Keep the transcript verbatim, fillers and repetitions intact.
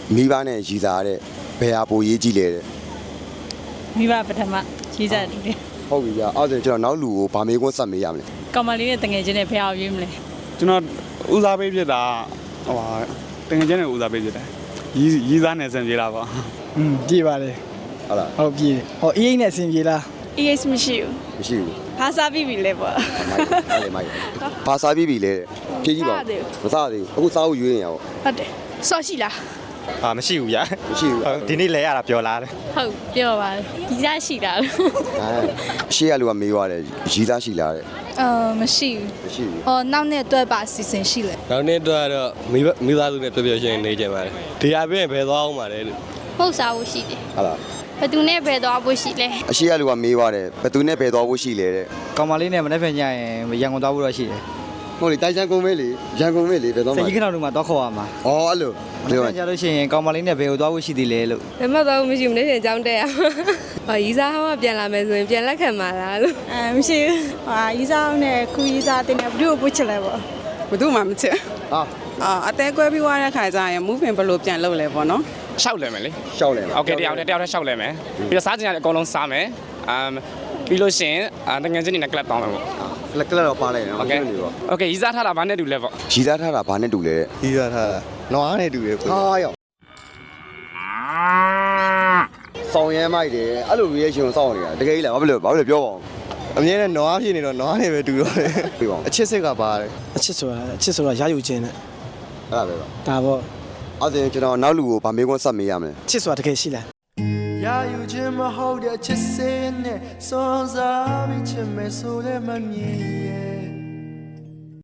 မိဘနဲ့ရည်စားတဲ့ဘယ်ဟာပိုရေးကြည့်လဲတဲ့မိဘပထမရေးစားတယ်ဟုတ်ပြီဗျာအဲ့ဒါကျွန်တော်နောက်လူကိုဗာမေးခွန်းဆက်မေးရမလဲကောင်မလေးနဲ့တငယ်ချင်းနဲ့ဖះအောင်ရွေးမလဲကျွန်တော်ဦးစားပေးဖြစ်တာဟိုဟာတကယ်ချင်းနဲ့ဦးစားပေးဖြစ်တယ်ရီးရီးစားနဲ့ဆင်ပြေလားပေါ့อืมပြေးပါလေဟုတ်လားဟုတ်ပြေးဟောအေးအိတ်နဲ့အဆင်ပြေလားအေးအေးမရှိဘူးမရှိဘူးဖားစားပြီးပြီလေပေါ့မိုက်အဲ့လေမိုက်ဘာစားပြီးပြီလဲဖြည့်ကြည့်ပါမစားသေးဘူးအခုစားဖို့ရွေးနေရအောင်ဟုတ်တယ်ဆော့ရှိလားအာမရှိဘူးဗျာမရှိဘူးဒီနေ့လဲရတာပြောလားတဲ့ဟုတ်ပြောပါဒီစားရှိတာအဲရှေ့ကလူကမေးသွားတယ်ရည်စားရှိလားတဲ့အာမရှိဘူးမရှိဘူးဟောနောက်နေ့အတွက်ပါအစီအစဉ်ရှိလေနောက်နေ့တော့တော့မိမိသားစုနဲ့ပြပြရှင်နေကြပါတယ်ဒီအပြင်ဘယ်သွားအောင်ပါလဲလို့ပုတ်စားဖို့ရှိတယ်ဟုတ်လားဘယ်သူနဲ့ဘယ်သွားဖို့ရှိလဲအရှိရလူကမေးသွားတယ်ဘယ်သူနဲ့ဘယ်သွားဖို့ရှိလဲတဲ့ကောင်မလေးနဲ့မနေ့ဖက်ညရင်ရန်ကုန်သွားဖို့တော့ရှိတယ်ဟုတ်လေတိုင်ချန်ကုန်မေးလေရန်ကုန်မေးလေဘယ်သွားစမှာကြီးခဏတို့မှာတော့ခေါ်ရမှာဩအဲ့လိုမနေ့ဖက်ကြလို့ရှိရင်ကောင်မလေးနဲ့ဘယ်ကိုသွားဖို့ရှိသေးလဲလို့ဘယ်မှတော့မရှိဘူးနေ့စဉ်အကြောင်းတက်ရဟောရီးစားဟောင်းကပြန်လာမယ်ဆိုရင်ပြန်လက်ခံပါလားလို့အဲမရှိဘူးဟာရေးစားနဲ့ခူရေးစားတင်တယ်ဘယ်သူ့ကိုပုတ်ချလဲပေါ့ဘယ်သူမှမချစ်ဟာအာအသေးကွဲပြီးွားတဲ့ခါကျရင် moving ဘယ်လိုပြန်လုပ်လဲပေါ့နော်ရှောက်လဲမယ်လေရှောက်လဲမှာโอเคတယောက်တည်းတယောက်တည်းရှောက်လဲမယ်ပြီးတော့စားကြင်ရတယ်အကုန်လုံးစားမယ်အမ်ပြီးလို့ရှိရင်တကယ်ချင်းနေနဲ့ club တောင်းမယ်ပေါ့လက်ကလက်တော့ပါလိုက်နော်โอเคโอเคရီးစားထားတာဘာနဲ့တူလဲပေါ့ရည်စားထားတာဘာနဲ့တူလဲတဲ့ကြီးစားထားတာနွားနဲ့တူတယ်ကိုဟာရောက်ဆောင်ရဲမိုက်တယ်အဲ့လို reaction ကိုစောင့်နေတာတကယ်ကြီးလားဘာဖြစ်လို့ဘာဖြစ်လို့ပြောပါအောင်အမြဲတမ်းနွားဖြစ်နေတော့နွားနဲ့ပဲတူတော့တယ်ပြပါအောင်အချစ်စစ်ကပါတယ်အချစ်ဆိုတာအချစ်ဆိုတာရယူခြင်းနဲ့အဲ့ဒါပဲပါဒါပေါ့အဲ့ဒါကျွန်တော်နောက်လူကိုဗာမေးခွန်းဆက်မေးရမလဲအချစ်ဆိုတာတကယ်ရှိလားရယူခြင်းမဟုတ်တဲ့ချစ်စင်းနဲ့စွန့်စားပြီးချင်မယ်ဆိုလည်းမမြင်ရ